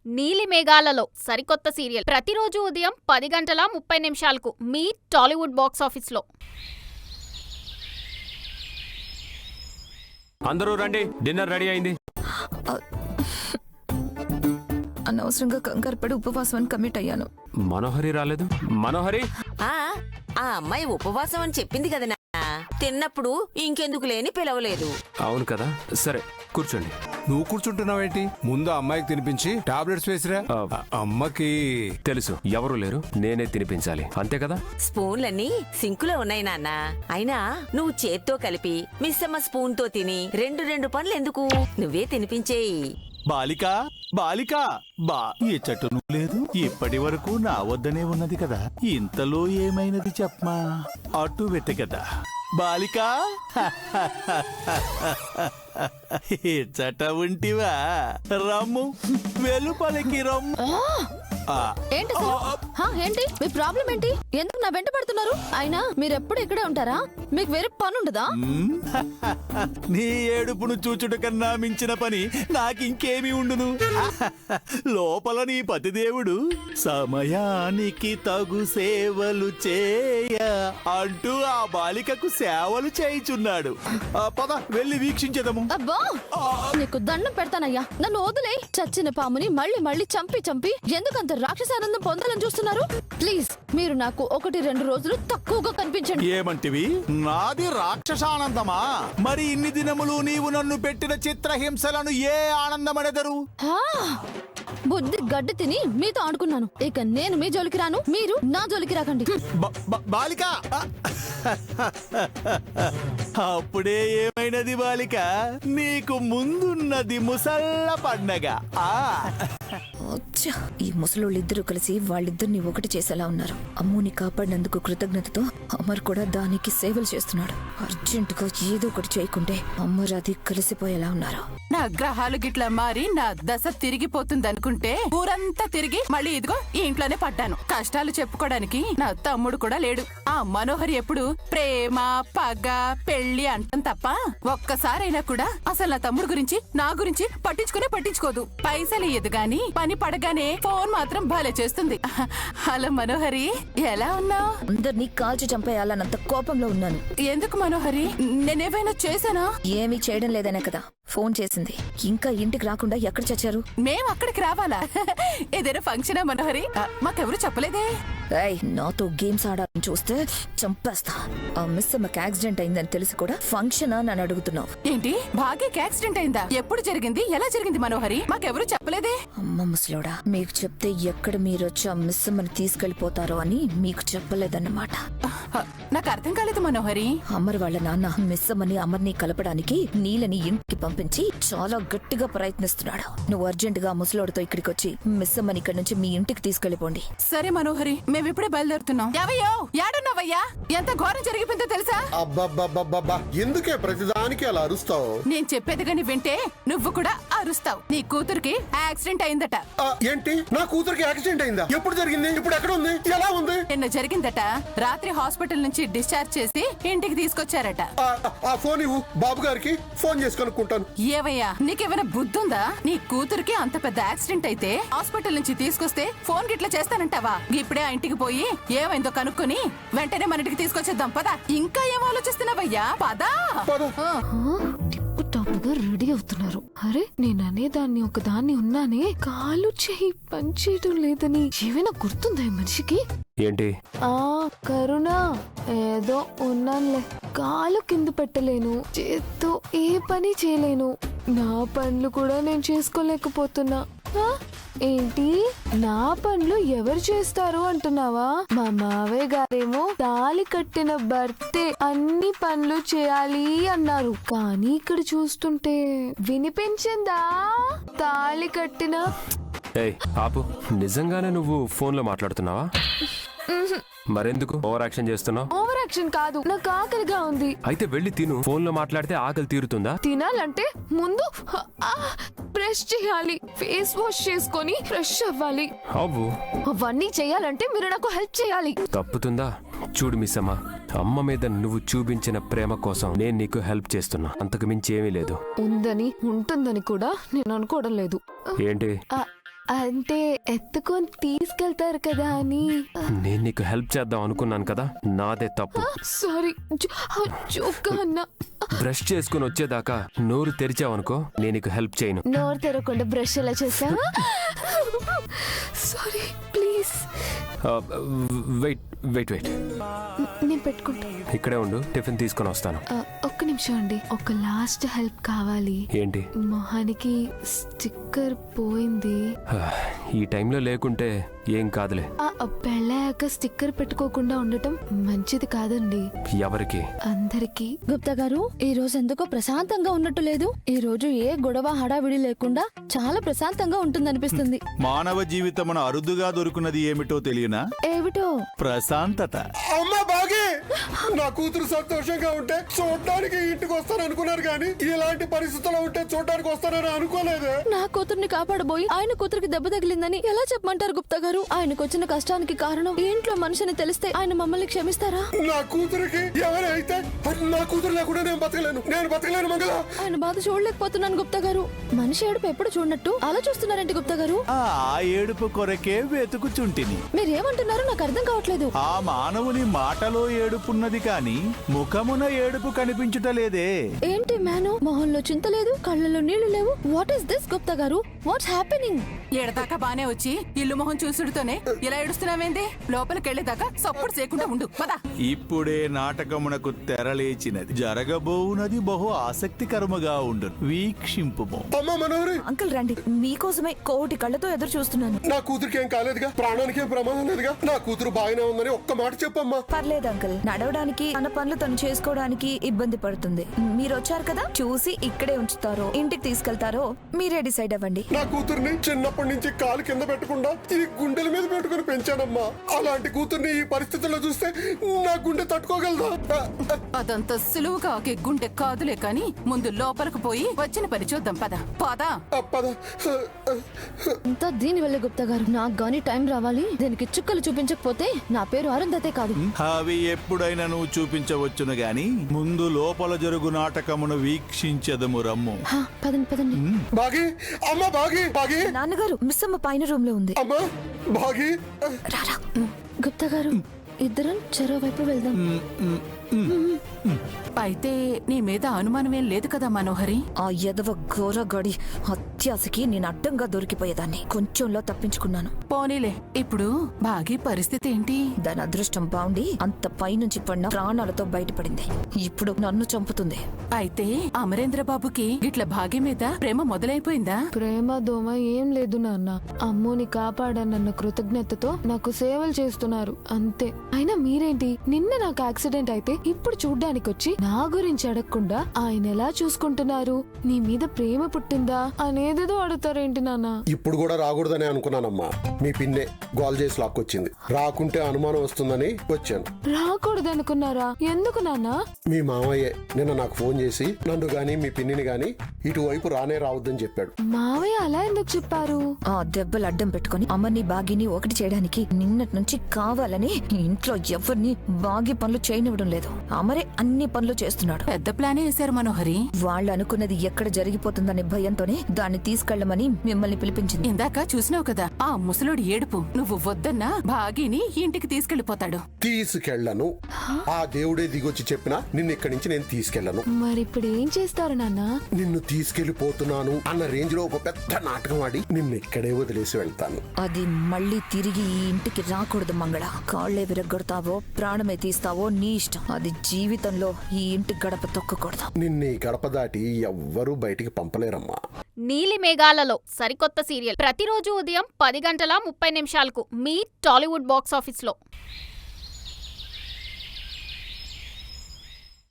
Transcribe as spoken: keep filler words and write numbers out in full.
నీలి మేఘాలలో సరికొత్త సీరియల్ ప్రతిరోజు ఉదయం పది గంటల ముప్పై నిమిషాలకు మీ టాలీవుడ్ బాక్స్ ఆఫీస్లో. అందరూ రండి, డిన్నర్ రెడీ అయింది. అనవసరంగా కంగారు పడి ఉపవాసం అని కమిట్ అయ్యాను. మనోహరి రాలేదు. మనోహరి, ఆ ఆ అమ్మాయి ఉపవాసం అని చెప్పింది కదా, తిన్నప్పుడు ఇంకెందుకు లేని పిలవలేదు. అవును కదా, సరే కూర్చోండి. నువ్వు కూర్చుంటున్నావేంటి? ముందు అమ్మాయికి తినిపించి టాబ్లెట్స్ వేసిరా. అమ్మకి తెలుసు, ఎవరు లేరు, నేనే తినిపించాలి, అంతే కదా. స్పూన్లన్నీ సింకులో ఉన్నాయి నాన్న. అయినా నువ్వు చేత్తో కలిపి మిస్సమ్మ స్పూన్ తో తిని రెండు రెండు పనులు ఎందుకు, నువ్వే తినిపించేయి. బాలిక బాలిక బా ఈ చెట్టు నువ్వు లేదు, ఇప్పటి వరకు నా వద్దనే ఉన్నది కదా, ఇంతలో ఏమైనది చెప్పమా? అటు పెట్టే కదా బాలిక. చట ఉంటివా? రమ్ము, వెలుపలికి రమ్ము. ఏంటి ఏంటి మీ ప్రాబ్లం ఏంటి? ఎందుకు నా వెంట పడుతున్నారు? అయినా మీరెప్పుడు ఇక్కడే ఉంటారా? మీకు వేరే పని ఉండదా? నీ ఏడుపును చూచుట కన్నా మించిన పని నాకింకేమీ ఉండును. లోపల నీ పతిదేవుడు సమయానికి తగు సేవలు చేయ అంటూ ఆ బాలికకు సేవలు చేయుచున్నాడు. పద వెళ్ళి వీక్షించేదము. అబ్బా, నీకు దండం పెడతానయ్యా, నన్ను వదిలే. చచ్చిన పాముని మళ్ళీ మళ్ళీ చంపి చంపి ఎందుకంత రాక్షసానందం పొందాలని చూస్తున్నారు? ప్లీజ్ మీరు నాకు ఒకటి రెండు రోజులు తక్కువగా కనిపించండి. ఏమంటివి? నాది రాక్షసానందమా? మరి ఇన్ని దినములు నీవు నన్ను పెట్టిన చిత్రహింసలను ఏ ఆనందమనెదరు? బుద్ధి గడ్డి తిని మీతో ఆడుకున్నాను, ఇక నేను మీ జోలికి రాను, మీరు నా జోలికి రాకండి. బాలిక, అప్పుడే ఏమైనది బాలిక? నీకు ముందున్నది ముసళ్ళ పండగ. ఈ ముసలోళ్ళు ఇద్దరు కలిసి వాళ్ళిద్దరిని ఒకటి చేసేలా ఉన్నారు. అమ్ముని కాపాడినందుకు కృతజ్ఞతతో అమర్ కూడా దానికి సేవలు చేస్తున్నాడు. అర్జెంట్ గా ఏదో ఒకటి చేయకుంటే అమర్ అది కలిసిపోయేలా ఉన్నారు. నా గ్రహాలు గిట్లా మారి నా దశ తిరిగిపోతుందనుకుంటే ఊరంతా తిరిగి మళ్ళీ ఇదిగో ఈ ఇంట్లోనే పడ్డాను. కష్టాలు చెప్పుకోవడానికి నా తమ్ముడు కూడా లేడు. ఆ మనోహరి ఎప్పుడు ప్రేమ పగ పెళ్లి అంటాం తప్ప ఒక్కసారైనా కూడా అసలు నా తమ్ముడు గురించి నా గురించి పట్టించుకునే పట్టించుకోదు. పైసలు ఇయ్యదు గాని పని పడగానే ఫోన్ మాత్రం భలే చేస్తుంది. హలో మనోహరి, ఎలా ఉన్నావు? అందరినీ కాల్చి చంపేయాలన్నంత కోపంలో ఉన్నాను. ఎందుకు మనోహరి, నేనేమైనా చేశానా? ఏమీ చేయడం లేదనే కదా ఫోన్ చేసింది. ఇంకా ఇంటికి రాకుండా ఎక్కడ చచ్చారు? మేము అక్కడికి రావాలా? ఏదైనా ఫంక్షనా మనోహరి? మాకెవరు చెప్పలేదే. నాతో గేమ్స్ ఆడాలని చూస్తే చంపేస్తా. ఆ మిస్ అమ్మకి యాక్సిడెంట్ అయిందని తెలిసి కూడా ఫంక్షన్ అని అడుగుతున్నావు ఏంటి? భాగ్యకి యాక్సిడెంట్ అయిందా? ఎప్పుడు జరిగింది? ఎలా జరిగింది మనోహరి? మాకెవరు చెప్పలేదే. అమ్మ ముసలోడా, మీకు చెప్తే ఎక్కడ మీరు వచ్చి ఆ మిస్ అమ్మని తీసుకెళ్లిపోతారో అని మీకు చెప్పలేదన్నమాట. నాకు అర్థం కాలేదు మనోహరి. అమర్ వాళ్ళ నాన్న మిస్ అమ్మని అమర్ని కలపడానికి నీలని ఇంటికి పంపించి చాలా గట్టిగా ప్రయత్నిస్తున్నాడు. నువ్వు అర్జెంట్ గా ముసలోడితో ఇక్కడికి వచ్చి మిస్ అమ్మని ఇక్కడ నుంచి మీ ఇంటికి తీసుకెళ్లిపోండి. సరే మనోహరి, మేమిప్పుడే బయలుదేరుతున్నాం. ఎవయ్యో, ఏడున్నావయ్యా? ఎంత ఘోరం జరిగిపోయిందో తెలుసా? అబ్బబ్బబ్బబ్బబ్బా, ఎందుకే ప్రతిదానికి అలా అరుస్తావు? నేను చెప్పేది గాని వింటే నువ్వు కూడా అరుస్తావు. నీ కూతురికి యాక్సిడెంట్ అయిందట. ఏంటి? నా కూతురికి యాక్సిడెంట్ అయిందా? ఎప్పుడు జరిగింది? ఇప్పుడు ఎక్కడ ఉంది? ఎలా ఉంది? నిన్న జరిగిందట. రాత్రి హాస్పిటల్ నుంచి డిశ్చార్జ్ చేసి ఇంటికి తీసుకొచ్చారట. ఆ ఫోన్ ఇవ్వు, బాబు గారికి ఫోన్ చేసి కనుక్కుంటాను. ఏవయ్యా, నీకేమైనా బుద్ధుందా? నీ కూతురికి అంత పెద్ద యాక్సిడెంట్ అయితే హాస్పిటల్ నుంచి తీసుకొస్తే ఫోన్ గిట్లా చేస్తానంటావా? ఇప్పుడే ఆ ఇంటికి పోయి ఏమైందో కనుక్కొని వెంటనే మన ఇంటికి తీసుకొచ్చేద్దాం. పదా. ఇంకా ఏం ఆలోచిస్తున్నావయ్యా? పదా. టాప్గా రెడీ అవుతున్నారు. అరే నేను అనేదాన్ని ఒకదాన్ని ఉన్నానే, కాలు చెయ్యి పనిచేయడం లేదని ఏమైనా గుర్తుందా ఈ మనిషికి? ఏంటి? ఆ కరుణ, ఏదో ఉన్నానులే. కాలు కింద పెట్టలేను, చేత్తో ఏ పని చేయలేను, నా పనులు కూడా నేను చేసుకోలేకపోతున్నా. ఏంటి నా పనులు ఎవరు చేస్తారు అంటున్నావా? మా మావయ్య గారేమో తాళి కట్టిన భర్తే అన్ని పనులు చేయాలి అన్నారు. కానీ ఇక్కడ చూస్తుంటే వినిపించిందా? తాళి కట్టిన ఏయ్ ఆపు, నిజంగానే నువ్వు ఫోన్ లో మాట్లాడుతున్నావా? మరెందుకు ఓవర్ యాక్షన్ చేస్తున్నావు? ఓవర్ యాక్షన్ కాదు, నాకు ఆకలిగా ఉంది. అయితే వెళ్ళి తిను. ఫోన్ లో మాట్లాడితే ఆకలి తీరుతుందా? తినాలంటే ముందు బ్రష్ చేయాలి, ఫేస్ వాష్ చేసుకొని ఫ్రెష్ అవ్వాలి. అవ్వు. అవన్నీ చేయాలంటే మీరు నాకు హెల్ప్ చేయాలి. తప్పుతుందా? చూడు మిస్సమ్మ, అమ్మ మీద నువ్వు చూపించిన ప్రేమ కోసం నేను నీకు హెల్ప్ చేస్తున్నా, అంతకు మించి ఏమీ లేదు. ఉందని ఉంటుందని కూడా నేను అనుకోవడం లేదు. ఏంటి? అంటే ఎత్తుకొని తీసుకెళ్తారు కదా అని. నేను నీకు హెల్ప్ చేద్దాం అనుకున్నాను కదా, నాదే తప్పు. సారీ, జోక్గా అన్నా. బ్రష్ చేసుకుని వచ్చేదాకా నోరు తెరిచావనుకో, నేను నీకు హెల్ప్ చేయను. నోరు తెరవకుండా బ్రష్ ఎలా చేసావా? Sorry, please. Wait wait wait నేను పెట్టుకుంటా. ఇక్కడే ఉండు, టిఫిన్ తీసుకొని వస్తాను. ఆ, ఒక్క నిమిషం అండి, ఒక లాస్ట్ హెల్ప్ కావాలి. ఏంటి? మొహానికి స్టిక్కర్ పోయింది. ఈ టైంలో లేకుంటే ఏం కాదులే. ఆ పెళ్ళాక స్టిక్కర్ పెట్టుకోకుండా ఉండటం మంచిది కాదండి ఎవరికి? అందరికి. గుప్తా గారు, ఈ రోజు ఎందుకో ప్రశాంతంగా ఉన్నట్టు లేదు. ఈ రోజు ఏ గొడవ హడావిడి లేకుండా చాలా ప్రశాంతంగా ఉంటుందనిపిస్తుంది. మానవ జీవితమున అరుదుగా దొరుకున్నది ఏమిటో తెలియనా? ఏమిటో? ప్రశాంతత. అమ్మా బాగే, నా కూతురు సంతోషంగా ఉంటే చూడడానికి ఇంటికి వస్తాను అనుకున్నారు కానీ ఇలాంటి పరిస్థితుల్లో ఉంటే చూడడానికి వస్తానని అనుకోలేదే. నా కూతుర్ని కాపాడబోయి ఆయన కూతురికి దెబ్బ తగిలిందని ఎలా చెప్పమంటారు గుప్తా గారు? ఆయనకు వచ్చిన కష్టానికి కారణం ఈ ఇంట్లో మనిషిని తెలిస్తే ఆయన మమ్మల్ని క్షమిస్తారా? నా కూతురికి ఎవరైతే నా కూతురు లేకుండా నేను బతకలేను, నేను బతకలేను మంగళ. ఆయన బాధ చూడలేకపోతున్నాను గుప్తా గారు. మనిషి ఏడుపు ఎప్పుడు చూడనట్టు అలా చూస్తున్నారంటే గుప్తా గారు? ఆ ఏడుపు కొరకే వెతుకుచుంటిని. మీరేమంటున్నారో నాకు అర్థం కావట్లేదు. ఆ మానవుని మాటలో ఏడుపున్నది కాని ముఖమున ఏడుపు కనిపించుటలేదే. ఏంటి మేను, మొహంలో చింత లేదు, కళ్ళలో నీళ్లు లేవు. వాట్ ఇస్ దిస్ గుప్తా గారు? What's happening? ఏడదాకా బానే వచ్చి ఇల్లు మొహం చూసుడుతోనే ఇలా ఏడుస్తున్నావేంది? లోపలికెళ్లేదాకా సప్పుడు చేయకుండా ఉండు పద. ఇప్పుడే నాటకమునకు తెరలేచినది, జరగబోవునది బహు ఆసక్తికరముగా ఉండు, వీక్షింపుము. అమ్మా మనోహరి, అంకుల్ రండి, మీకోసమే కోటి కళ్ళతో ఎదురు చూస్తున్నాను. నా కూతురికి ఏం కాలేదుగా, ప్రాణానికి ఏం ప్రమాదం లేదుగా, నా కూతురు బాగానే ఉందని ఒక్క మాట చెప్పమ్మా. పర్లేదు అంకుల్, నడవడానికి తన పనులు తను చేసుకోవడానికి ఇబ్బంది పడుతుంది. మీరు వచ్చారు కదా, చూసి ఇక్కడే ఉంచుతారో ఇంటికి తీసుకెళ్తారో మీరే డిసైడ్ అవ్వండి. నా కూతుర్ని చిన్నప్పటి నుంచి కాలు కింద పెట్టకుండా ఈ గుండెల మీద పెట్టుకుని పెంచానమ్మా. అలాంటి కూతుర్ని ఈ పరిస్థితుల్లో చూస్తే నా గుండె తట్టుకోగలదా? అదంతా సులువుగా ఒకే గుండె కాదులే కాని ముందు లోపలికి పోయి వచ్చిన పని చూద్దాం పద పద. పద. అంతా దీని వల్లే గుప్తా గారు. నాకు గానీ టైం రావాలి. దీనికి చుక్కలు చూపించకపోతే నా పేరు అరుంధతే కాదు. అవి ఎప్పుడైనా నువ్వు చూపించవచ్చును గాని ముందు లోపల జరుగు నాటకమును వీక్షించదము రమ్ము. హా, పదండి పదండి. బాగి, అమ్మా బాగి, బాగి. నాన్నగారు, మిస్ అమ్మ పైన రూమ్ లో ఉంది. అమ్మా బాగి. రారా. గుప్తా గారు, ఇద్దరం చెరో వైపు వెళ్దాం. అయితే నీ మీద అనుమానమేం లేదు కదా మనోహరి? ఆ యదవ ఘోరగాడి అత్యాశకి నేను అడ్డంగా దొరికిపోయేదాన్ని. కొంచెంలో తప్పించుకున్నాను. పోనీలే, ఇప్పుడు బాగి పరిస్థితి ఏంటి? దాని అదృష్టం బాగుండి అంత పైనుంచి పడిన ప్రాణాలతో బయటపడింది. ఇప్పుడు నన్ను చంపుతుంది. అయితే అమరేంద్ర బాబుకి ఇట్లా భాగ్యం మీద ప్రేమ మొదలైపోయిందా? ప్రేమ దోమ ఏం లేదు నాన్న. అమ్మోని కాపాడనన్న కృతజ్ఞతతో నాకు సేవలు చేస్తున్నారు అంతే. అయినా మీరేంటి, నిన్న నాకు యాక్సిడెంట్ అయితే ఇప్పుడు చూడ్డానికి వచ్చి నా గురించి అడగకుండా ఆయన ఎలా చూసుకుంటున్నారు, నీ మీద ప్రేమ పుట్టిందా అనేదేదో అడుగుతారేంటి నాన్న? ఇప్పుడు కూడా రాకూడదని అనుకున్నానమ్మా. మీ పిన్నే గోల్ చేసి లాక్కొచ్చింది. రాకుంటే అనుమానం వస్తుందని వచ్చాను. రాకూడదు అనుకున్నారా? ఎందుకు నాన్న? మీ మామయ్యే నిన్న నాకు ఫోన్ చేసి నన్ను గాని మీ పిన్నిని గాని ఇటువైపు రానే రావద్దని చెప్పాడు. మావయ్య అలా ఎందుకు చెప్పారు? ఆ దెబ్బలు అడ్డం పెట్టుకుని అమ్మని బాగిని ఒకటి చేయడానికి నిన్నటి నుంచి కావాలని ఇంట్లో ఎవరిని బాగి పనులు చేయనివ్వడం లేదు. అమరే అన్ని పనులు చేస్తున్నాడు. పెద్ద ప్లానే వేశారు మనోహరి. వాళ్ళు అనుకున్నది ఎక్కడ జరిగిపోతుందనే భయంతోనే దాన్ని తీసుకెళ్లమని మిమ్మల్ని పిలిపించింది. ఇందాక చూసినావు కదా ఆ ముసలోడి ఏడుపు. నువ్వు వద్దన్నా భాగిని ఇంటికి తీసుకెళ్లిపోతాడు. తీసుకెళ్లను. ఆ దేవుడే దిగొచ్చి చెప్పినా నిన్ను ఇక్కడి నుంచి నేను తీసుకెళ్లను. మరి ఇప్పుడు ఏం చేస్తారు నాన్న? నిన్ను తీసుకెళ్లిపోతున్నాను అన్న రేంజ్ లో ఒక పెద్ద నాటకం ఆడి నిన్ను ఇక్కడే వదిలేసి వెళ్తాను. అది మళ్ళీ తిరిగి ఈ ఇంటికి రాకూడదు మంగళ. కాళ్లే విరగొడతావో ప్రాణమే తీస్తావో నీ ఇష్టం. అది జీవితంలో ఈ ఇంటి గడప తొక్కకూడదు. నిన్ను ఈ గడప దాటి ఎవ్వరూ బయటికి పంపలేరమ్మా. నీలి మేఘాలలో సరికొత్త సీరియల్ ప్రతిరోజు ఉదయం పది గంటల ముప్పై నిమిషాలకు మీ టాలీవుడ్ బాక్స్ ఆఫీస్లో.